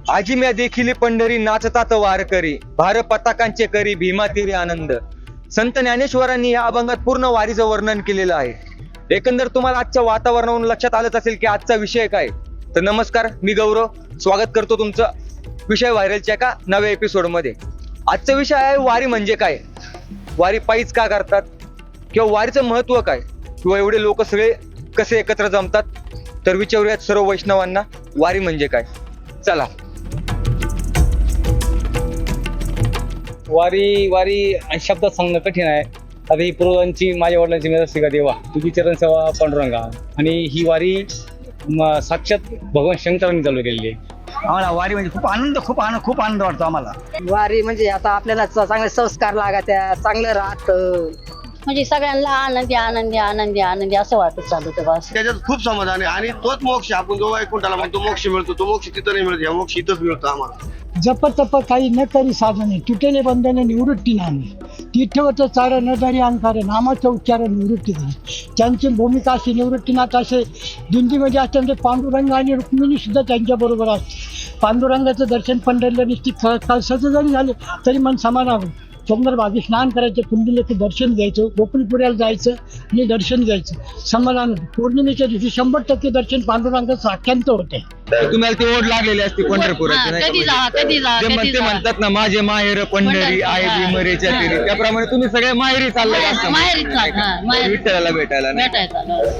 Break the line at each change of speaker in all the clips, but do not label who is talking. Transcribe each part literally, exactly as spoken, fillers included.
आजी म्या देखील पंढरी नाचतात वारकरी, भार पताकांचे करी भीमा तीरी आनंद. संत ज्ञानेश्वरांनी या अभंगात पूर्ण वारीचं वर्णन केलेलं आहे. एकंदर तुम्हाला आजच्या वातावरणावरून लक्षात आलंच असेल की आजचा विषय काय. तर नमस्कार, मी गौरव स्वागत करतो तुमचं विषय व्हायरलच्या एका नव्या एपिसोड मध्ये. आजचा विषय आहे वारी म्हणजे काय, वारी पायीच का करतात, किंवा वारीचं महत्व काय, किंवा एवढे लोक सगळे कसे एकत्र जमतात. तर विचारूयात सर्व वैष्णवांना वारी म्हणजे काय. चला.
वारी वारी शब्दात सांगणं कठीण आहे. आता ही पूर्वांची माझ्या वडिलांची मेरस्तिका देवा तुझी चरण सेवा पांडुरंगा, आणि ही वारी म- साक्षात भगवान शंकरांनी चालू केलेली आहे.
आम्हाला वारी म्हणजे खूप आनंद खूप आनंद खूप आनंद वाटतो आम्हाला.
वारी म्हणजे आता आपल्याला च- चांगले संस्कार लागत्या, चांगलं राहतं,
म्हणजे सगळ्यांना आनंदी आनंदी आनंदी आनंदी असं वाटत चालू ते बस.
त्याच्यात खूप समाधान आहे. आणि तोच मोक्ष आपण जो वैकुंठाला म्हणतो मोक्ष मिळतो, तो मोक्ष तिथं नाही मिळतो, या मोक्ष इथंच मिळतो आम्हाला.
जप तप काही न करी साधने, तुटेले बंधने निवृत्ती नामे, तीर्थवत चार न धरी अंकार, नामाचं उच्चारण निवृत्ती झाली. त्यांची भूमिका अशी निवृत्तीनाथ असे दिंडीमध्ये असते, म्हणजे पांडुरंग आणि रुक्मिणी सुद्धा त्यांच्या बरोबर असते. पांडुरंगाचं दर्शन पंढरीला निश्चित कळसाचं जरी झालं तरी मन समाधान होतं. चंद्रभागी स्नान करायचं, कुंडलीचं दर्शन घ्यायचं, गोकुळपुऱ्याला जायचं आणि दर्शन घ्यायचं, समाधान. पौर्णिमेच्या दिवशी शंभर टक्के दर्शन पांडुरंगाचं साक्षांत होते.
तुम्हाला ती ओढ लागलेली असते पंढरपुराची, नाही का?
कधी जा कधी जा
ते
कधी
म्हणते
जा
म्हणतात ना, माझे माहेर पंढरी
पंढरी,
आहे
हा.
भीमरेच्या तीरी. त्याप्रमाणे तुम्ही सगळे माहेरी चालले असता
माहेरीच चाल, हा, माहेरी.
विठ्ठलाला भेटायला नाही.
भेटायचं.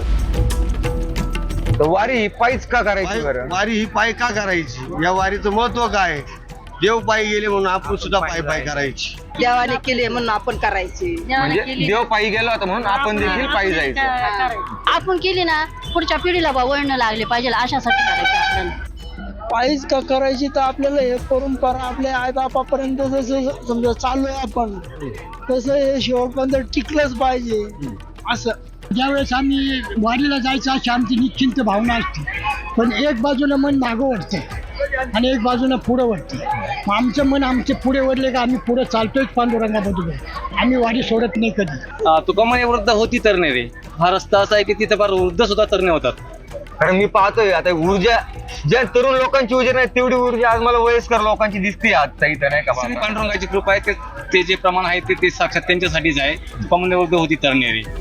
तर वारी ही पायीच का करायची बरं?
पाय- वारी ही पाय का करायची, या वारीचं महत्व काय आहे? देव पायी गेले म्हणून आपण सुद्धा पाय पाय करायची.
देवाने केले म्हणून आपण करायची.
म्हणजे देव पायी गेला होता म्हणून आपण देखील पायी जायचं.
आपण केली ना, पुढच्या पिढीला बा वळण लागले पाहिजे अशासाठी करायची आपल्याला.
पायीच का करायची तर आपल्याला हे परंपरा आपल्या आई बापापर्यंत जसं समजा चाललोय आपण, तसं हे शेवटपर्यंत टिकलंच पाहिजे. असं ज्यावेळेस आम्ही वारीला जायचं अशी आमची निश्चिंत भावना असते, पण एक बाजूला मन मागं वळते आणि एक बाजूला पुढं वळते. मग आमचं मन आमचे पुढे वळले का आम्ही पुढे चालतोय पांडुरंगाबरोबर, आम्ही वारी सोडत नाही कधी.
तुका म्हणे वृद्ध होती तरणे रे, हा रस्ता असा आहे की तिथे फार वृद्ध सुद्धा तरणे होतात.
कारण मी पाहतोय आता ऊर्जा ज्या तरुण लोकांची ऊर्जा नाही तेवढी ऊर्जा आज मला वयस्कर लोकांची दिसते आजचा इथं, नाही का
श्री
बाबा?
पांडुरंगाची कृपा आहे, ते- ते जे प्रमाण आहे ते ते साक्षात त्यांच्यासाठीच आहे. तुका म्हणे वृद्ध होती तरणे रे.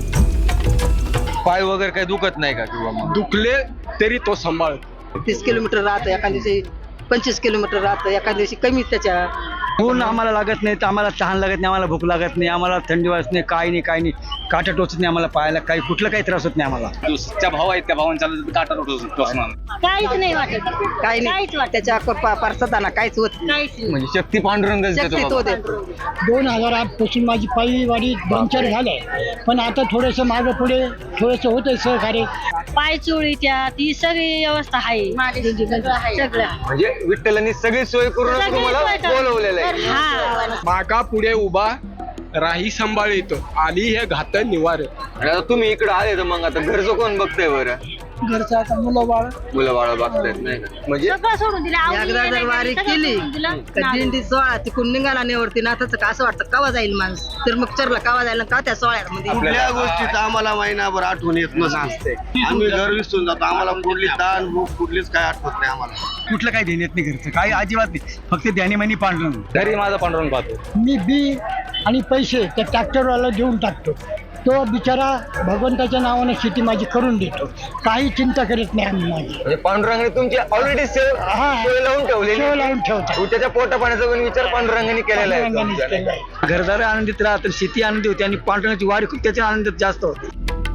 पाय वगैरे काही दुखत नाही का, किंवा मग
दुखले तरी तो सांभाळ.
तीस किलोमीटर राहतं, एका दिवशी पंचवीस किलोमीटर राहतं, एका दिवशी कमी त्याच्या.
ऊन आम्हाला लागत नाही, तर आम्हाला तहान लागत नाही, आम्हाला भूक लागत नाही, आम्हाला थंडी वाजत नाही, काही नाही काही नाही, काटा टोचत नाही आम्हाला पायाला, काही कुठलं काही त्रास होत नाही आम्हाला.
जो सच्चा भाव आहेत त्या भावांना चालत काटा टोचणार.
काहीच नाही वाटत,
काही नाही
काहीच वाटत
त्याच्या परसताना काहीच होत नाही.
काहीच नाही.
म्हणजे शक्ती पांडुरंगच देतो
शक्तीत
बाबा.
होते.
दोन हजार आठ पासून माझी पायी वारी दोन चार झालंय, पण आता थोडंसं मागं पुढे थोडंसं होतंय सहकार्य.
पाय चोळीच्या ती सगळी व्यवस्था आहे सगळं.
म्हणजे विठ्ठलांनी सगळी सोय करून
सगळी
तुम्हाला
सोय करून.
बोलवलेलं आहे.
हा.
मागा पुढे उभा राही सांभाळितो, आली हे घात निवार.
आणि आता तुम्ही इकडे आले तर मग आता घरचं कोण बघतंय बरं?
घरचं आता मुलं बाळ
मुलं बाळ बघतायत, नाही का? म्हणजे
सगळं सोडून दिलं. आवडी
एकदा जर
नाही,
वारी
सगळं
केली
सोडून दिलं.
का दिंडी सोळा तिकडून निघाला निवडती नाथाचं का असं वाटतं कवा जाईल माणूस, तर मग चरला कवा जायला का त्या सोहळ्यामध्ये.
कुठल्या गोष्टीचं आम्हाला महिनाभर आठवण येत नसते. आम्ही घर विसरून जातो, आम्हाला कुठली ताण भूक कुठलीच काय आठवत नाही आम्हाला.
कुठलं काही ध्यान नाही घरचं, काही अजिबात नाही, फक्त ध्यानीमानी पांडुरंग.
घरी माझा पांडुरंग पाहतो.
मी बी आणि पैसे त्या ट्रॅक्टरवाला देऊन टाकतो, तो बिचारा भगवंताच्या नावानं शेती माझी करून देतो, काही चिंता करत नाही आम्ही माझी.
म्हणजे पांडुरंगाने तुमची ऑलरेडी सेव
हा.
सोय लावून ठेवलेली
शेव
आहे.
लावून ठेवतो.
आणि त्याच्या पोटा पाण्याचा पण विचार पांडुरंगाने केलेला आहे
पांडुरंगानेच
तुमच्या, नाही का?
केलंय.
घरदार आनंदित राहतात, शेती आनंदी होते, आणि पांडुरंगाची वारी खूप त्याच्या आनंदात जास्त होते.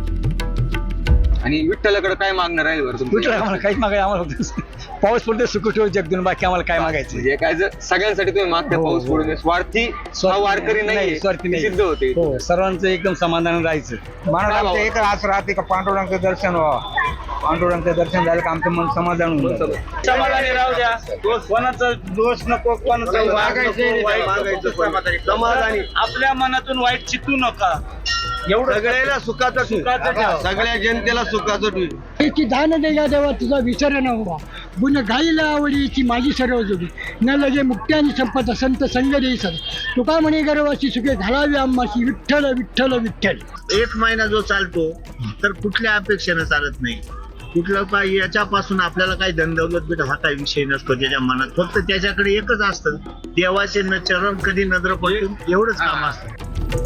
आणि विठ्ठलाकडे काय मागणं राहील बरं तुमचं?
कुठलं आम्हाला काहीच मागायचं, आम्हाला फक्त पाऊस पडतो सुख ठेव जगदून, बाकी आम्हाला काय मागायचं.
म्हणजे काय जर सगळ्यांसाठी तुम्ही मागता
हो,
पाऊस
हो.
पडून स्वार्थी हा वारकरी नाही,
स्वार्थी नाही.
सिद्ध होते.
हो, सर्वांचं एकदम समाधान राहायचं.
मानव
एक आस राहते का पांडुरंगाचं दर्शन व्हावं, पांडुरंगाचं दर्शन झालं का आमचं मन समाधान होऊन जातं.
समाधानी राहू द्या, दोष कोणाचा दोष नको, कोणाचा वाद
मागायचं
नको,
नाही,
वाईट
मागायचं
नको.
पण. समाधानी.
आपल्या मनातून वाईट चितू नका. एवढं
सगळ्याला सुखाचं
सुखाचं ठेवा.
सगळ्या जनतेला सुखाचं ठेवी.
की दान देगा देवा तुझा विसर न व्हावा, गुण गाईला आवडीची माझी सर्व जोडी, न लगे मुक्ती आणि संपत संत संग देई सद, तुका म्हणे गर्वाची सुखे घालावी आम्हाशी, विठ्ठल विठ्ठल विठ्ठल.
एक महिना जो चालतो तर कुठल्या अपेक्षेनं चालत नाही. कुठलं काय याच्यापासून आपल्याला काही धनदौलत भेट हा काही विषय नसतो त्याच्या मनात, फक्त त्याच्याकडे एकच असतं, देवाचे न चरण कधी नजर पडतील एवढंच काम असतं.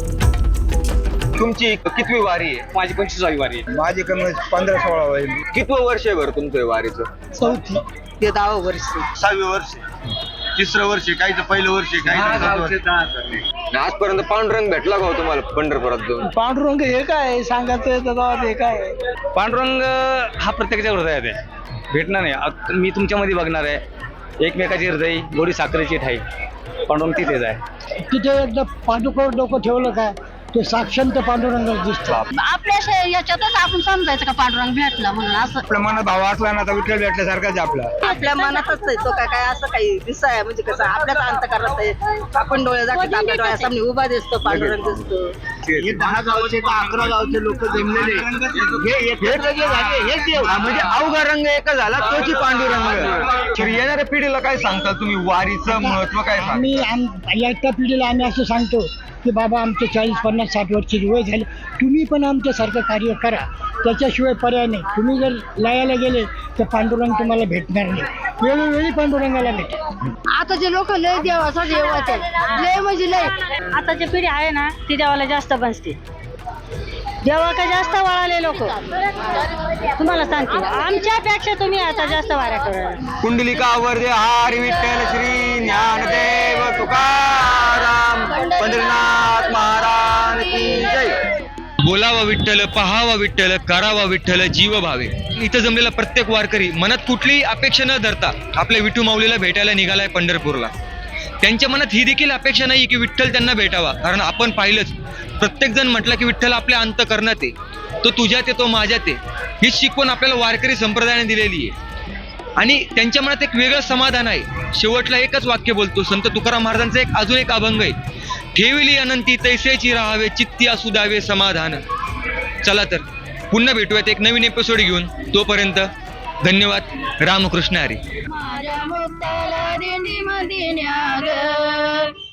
तुमची कितवी वारी आहे?
माझी पंचवीसावी वारी आहे.
माझी कमी पंधरा सोळा होईल.
कितवं वर्ष आहे बरं तुमचं हे वारीचं?
चौथी
ते दहा वर्ष
सहावे वर्ष, तिसरं वर्ष, काहीचं पहिलं वर्ष, काही
आजपर्यंत पांडुरंग भेटला का हो तुम्हाला पंढरपुरात जाऊन?
पांडुरंग हे काय सांगायचं त्याचा हे काय
पांडुरंग हा प्रत्येकाच्या हृदयात आहे, भेटणार नाही. अग- मी तुमच्यामध्ये बघणार आहे एकमेकाची हृदय गोडी साखरेची ठाई, पांडुरंग तिथेच आहे.
तिथे एकदा पांडुकर डोकं ठेवलं काय ते साक्षांत पांडुरंग दिसतो.
आपल्या शे- याच्यातच आपण समजायचं का पांडुरंग भेटला म्हणून असं.
आपल्या मनात भाव असला ना तर विठ्ठल भेटल्यासारखाच आहे आपला.
आपल्या मनातच आहे तो काय काय असं काही दिसाय म्हणजे कसं आपल्याच अंत करत आहे. आपण डोळे जातात आपल्या डोळ्यासामने उभा दिसतो पांडुरंग दिसतो.
हे दहा गावचे का अकरा गावचे लोक जमलेले हे एकत्र जे झाले हेच देव.
हा, म्हणजे अवघा रंग एकच झाला तोची पांडुरंग. तर येणाऱ्या पिढीला काय सांगता तुम्ही वारीचं महत्व काय सांगता?
आम्ही आम या पिढीला आम्ही असं सांगतो की बाबा आमचे चाळीस पन्नास साठ वर्षाची वय झाली, तुम्ही पण आमच्यासारखं कार्य करा, त्याच्याशिवाय पर्याय नाही. तुम्ही जर लयाला गेले तर पांडुरंग तुम्हाला भेटणार नाही, वेळोवेळी पांडुरंगाला भेटेल.
आताचे लोक लय देवाचा देवाचे लय म्हणजे लय.
आताची पिढी आहे ना ती देवाला जास्त बसते, देवाकडे जास्त वळाले लोक. तुम्हाला सांगते आमच्यापेक्षा तुम्ही आता जास्त वाऱ्या करा.
कुंडलिका वरदे हरी विठ्ठल श्री ज्ञानदेव तुकाराम पंढरीनाथ महाराज की जय. बोलावा विठ्ठल, पहावा विठ्ठल, करावा विठ्ठल, जीव भावे. इथं जमलेला प्रत्येक वारकरी मनात कुठलीही अपेक्षा न धरता आपल्या विठू माऊलीला भेटायला निघालाय पंढरपूरला. त्यांच्या मनात ही देखील अपेक्षा नाही की विठ्ठल त्यांना भेटावा, कारण आपण पाहिलंच प्रत्येक जण म्हटलं की विठ्ठल आपल्या अंतःकरणात आहे, तो तुझ्यात आहे, तो माझ्यात आहे. ही शिकवण आपल्याला वारकरी संप्रदायाने दिलेली आहे आणि त्यांच्या मनात एक वेगळं समाधान आहे. शेवटला एकच वाक्य बोलतो संत तुकाराम महाराजांचा एक अजून एक अभंग आहे, ठेविली अनंती तैसेची राहावे चित्ती असू द्यावे समाधान. चला तर पुन्हा भेटूयात एक नवीन एपिसोड घेऊन. तोपर्यंत धन्यवाद. रामकृष्ण हरी.
माझ्या मुक्ताला दिंडी मध्ये न्या ग.